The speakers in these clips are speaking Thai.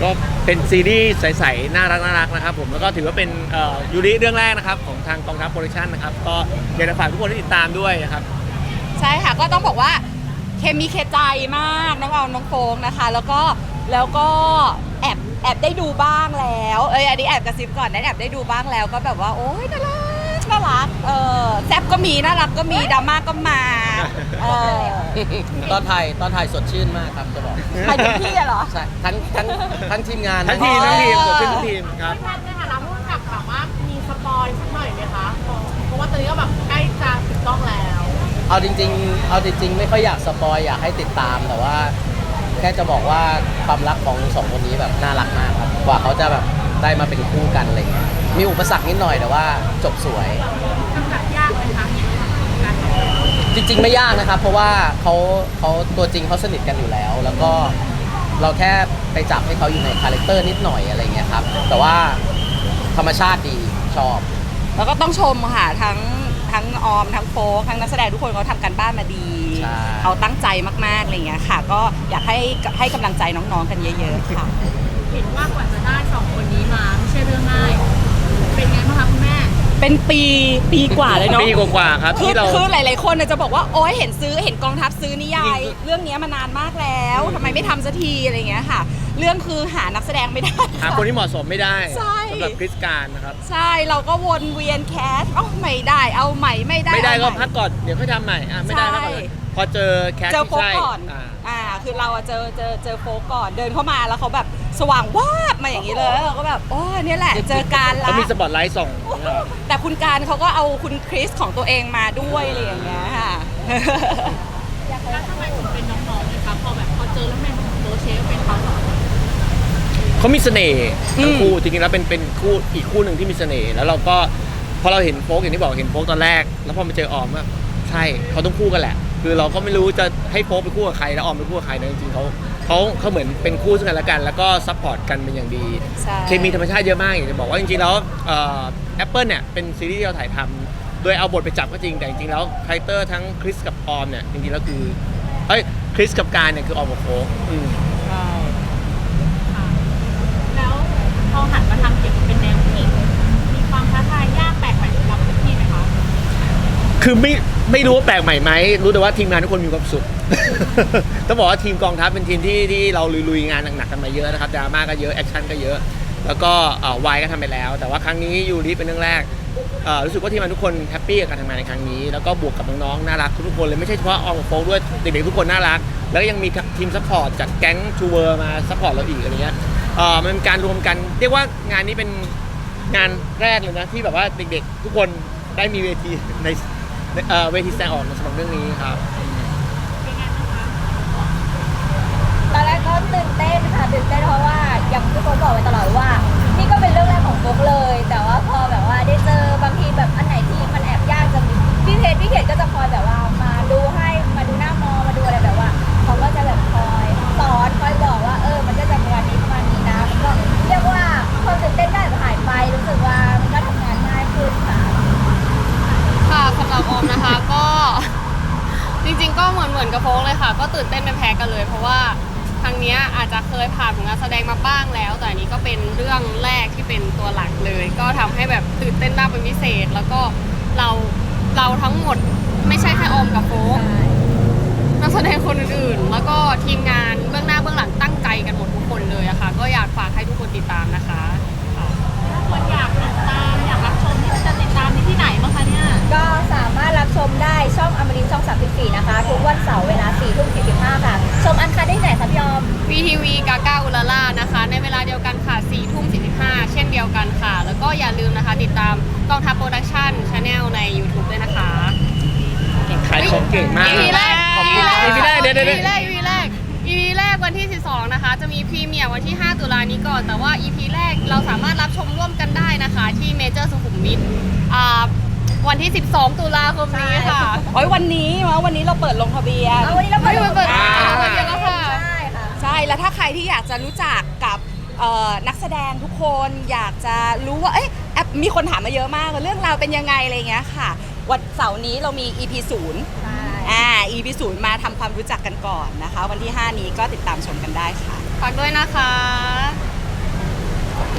ก็เป็นซีรีส์ใสๆน่ารักนะครับผมแล้วก็ถือว่าเป็นยูริเรื่องแรกนะครับของทางกองทัพโปรดักชั่นนะครับก็อยากจะฝากทุกคนที่ติดตามด้วยนะครับใช่ค่ะก็ต้องบอกว่าเคมีเคใจมากน้องออมน้องโฟงนะคะแล้วก็แอบได้ดูบ้างแล้วอันนี้แอบกระซิบก่อนนะแอบได้ดูบ้างแล้วก็แบบว่าโอ๊ยน่ารักแซ่บก็มีน่ารักก็มีดราม่าก็มาตอนถ่ายสดชื่นมากครับจะบอกหมายถึงพี่เหรอใช่ทั้งทีมงานทั้งทีมสดชื่นทั้งทีมครับพี่แพทย์ในฐานะผู้กำกับแบบว่ามีสปอยสักหน่อยไหมคะเพราะว่าตอนนี้ก็แบบใกล้จะปิดกล้องแล้วเอาจริงไม่ค่อยอยากสปอยอยากให้ติดตามแต่ว่าแค่จะบอกว่าความรักของสองคนนี้แบบน่ารักมากครับกว่าเขาจะแบบได้มาเป็นคู่กันอะไรเงี้ยมีอุปสรรคนิดหน่อยแต่ว่าจบสวยกำกับยากไหมคะจริงๆไม่ยากนะครับเพราะว่าเขาตัวจริงเขาสนิทกันอยู่แล้วแล้วก็เราแค่ไปจับให้เขาอยู่ในคาแรคเตอร์นิดหน่อยอะไรเงี้ยครับแต่ว่าธรรมชาติดีชอบแล้วก็ต้องชมค่ะทั้งออมทั้งโฟกทั้งนักแสดงทุกคนเขาทำกันบ้านมาดีเขาตั้งใจมากๆอะไรเงี้ยค่ะก็อยากให้กำลังใจน้องๆกันเยอะๆค่ะเห็นว่ากว่าจะได้สองคนนี้มาไม่ใช่เรื่องง่ายเป็นไงบ้างคะคุณแม่เป็นปีกว่าเลยเนาะปีกว่าครับที่เราคือหลายๆคนจะบอกว่าโอ๊ยเห็นกองทัพซื้อนิยายเรื่องนี้มานานมากแล้วทำไมไม่ทำสักทีอะไรเงี้ยค่ะเรื่องคือหานักแสดงไม่ได้หาคนที่เหมาะสมไม่ได้สำหรับคริสการนะครับใช่เราก็วนเวียนแคสไม่ได้เอาใหม่ไม่ได้ก็พักก่อนเดี๋ยวค่อยทำใหม่ไม่ได้พักก่อนพอเจอแคสที่ใช่ก่อนคือเราเจอโฟกก่อนเดินเข้ามาแล้วเขาแบบสว่างวาบมาอย่างนี้เลยเราก็แบบโอ้เนี่ยแหละเจอการละเขามีสปอตไลท์ส่องแต่คุณการเขาก็เอาคุณคริสของตัวเองมาด้วยอะไรอย่างเงี้ยค่ะแล้วทำไมถึงเป็นน้องๆเลยคะพอเจอแล้วแม่โบเชฟเป็นเขาเขามีเสน่ห์ทั้งคู่จริงๆแล้วเป็นคู่อีกคู่หนึ่งที่มีเสน่ห์แล้วเราก็พอเราเห็นโฟกอย่างที่บอกเห็นโฟกตอนแรกแล้วพอมาเจอออมว่าใช่เขาต้องคู่กันแหละคือเราก็ไม่รู้จะให้โฟกไปคู่กับใครแล้วออมไปคู่กับใครแต่จริงๆเขาเหมือนเป็นคู่ซึ่งกันและกันแล้วก็ซัพพอร์ตกันเป็นอย่างดีเคมีธรรมชาติเยอะมากอยากจะบอกว่าจริงๆแล้วแอปเปิลเนี่ยเป็นซีรีส์ที่เราถ่ายทำโดยเอาบทไปจับก็จริงแต่จริงๆแล้วคาแรคเตอร์ทั้งคริสกับออมเนี่ยจริงๆแล้วคือคริสกับการเนี่ยคือออมกับโฟกใช่แล้วพอหันมาทำเกี่ยวกับเป็นแนวผู้หญิงมีความท้าทายยากแปลกใหม่สำหรับทุกทีไหมคะคือไม่รู้ว่าแปลกใหม่ไหมรู้แต่ว่าทีมงานทุกคนมีความสุข ต้องบอกว่าทีมกองทัพเป็นทีมที่เราลุยงานหนักๆกันมาเยอะนะครับดราม่าก็เยอะแอคชั่นก็เยอะแล้วก็วายก็ทำไปแล้วแต่ว่าครั้งนี้ยูริเป็นเรื่องแรกรู้สึกว่าทีมงานทุกคนแฮปปี้กับการทำงานในครั้งนี้แล้วก็บวกกับน้องๆน่ารักทุกคนเลยไม่ใช่เฉพาะออมกับโฟกด้วยเด็กๆทุกคนน่ารักแล้วก็ยังมีทีมซัพพอร์ตจากแก๊งชูเวอร์มาซัพพอร์ตเราอีกอะไรเงี้ยมันเป็นการรวมกันเรียกว่างานนี้เป็นงานแรกเลยนะที่แบบว่าเด็กๆทุกคนได้มีเวทีในเวทีแสดงออกสำหรับเรื่องนี้ครับตอนแรกก็ตื่นเต้นค่ะตื่นเต้นเพราะว่าอย่างที่โฟกบอกไว้ตลอดว่านี่ก็เป็นเรื่องแรกของโฟกเลยแต่ว่าพอแบบว่าได้เจอบางทีแบบอันไหนที่มันแอบยากจะมีพี่เขตก็จะคอยแบบว่ามาดูให้มาดูหน้ามอมาดูอะไรแบบว่าเขาก็จะแบบคอยสอนคอยบอกว่ามันก็จะประมาณนี้นะมันก็เรียกว่าความตื่นเต้นได้หายไปรู้สึกว่ามันก็ทำงานง่ายขึ้นค่ะสำหรับออมนะคะก็จริงๆก็เหมือนกับโฟกเลยค่ะก็ตื่นเต้นไม่แพ้กันเลยเพราะว่าครั้งนี้อาจจะเคยผ่านผลงานแสดงมาบ้างแล้วแต่อันนี้ก็เป็นเรื่องแรกที่เป็นตัวหลักเลยก็ทำให้แบบตื่นเต้นมากเป็นพิเศษแล้วก็เราทั้งหมดไม่ใช่แค่ออมกับโฟกนักแสดงคนอื่นๆแล้วก็ทีมงานเบื้องหน้าเบื้องหลังตั้งใจกันหมดทุกคนเลยอะค่ะก็อยากฝากให้ทุกคนติดตามนะคะคนอยากติดตามอยากรับชมจะติดตามที่ไหนบ้างคะเนี่ยก็สามารถรับชมได้ช่องอมรินทร์ช่อง34นะคะทุกวันเสาร์เวลา 4:45 ค่ะชมอันคัดได้ไหนคะพี่ออม VTV กาก้าอุลาล่านะคะในเวลาเดียวกันค่ะ 4:45 เช่นเดียวกันค่ะแล้วก็อย่าลืมนะคะติดตามกองทัพโปรดักชั่น Channel ใน YouTube ด้วยนะคะขายของเก่งมาก EP แรก EP แรกเดี๋ยว EP แรกวันที่ 12 นะคะจะมีพรีเมียร์วันที่ 5 ตุลานี้ก่อนแต่ว่า EP แรกเราสามารถรับชมร่วมกันได้นะคะที่เมเจอร์สุขุมวิทวันที่ 12 ตุลาคมนี้ค่ะวันนี้เราเปิดลงทะเบียนวันนี้เราเปิดลงทะเบียนแล้วค่ะใช่แล้วถ้าใครที่อยากจะรู้จักกับนักแสดงทุกคนอยากจะรู้ว่ามีคนถามมาเยอะมากเรื่องราวเป็นยังไงอะไรเงี้ยค่ะวันเสาร์นี้เรามี EP 0 EP 0มาทำความรู้จักกันก่อนนะคะวันที่ 5 นี้ก็ติดตามชมกันได้ค่ะฝากด้วยนะคะ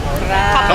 ขอบ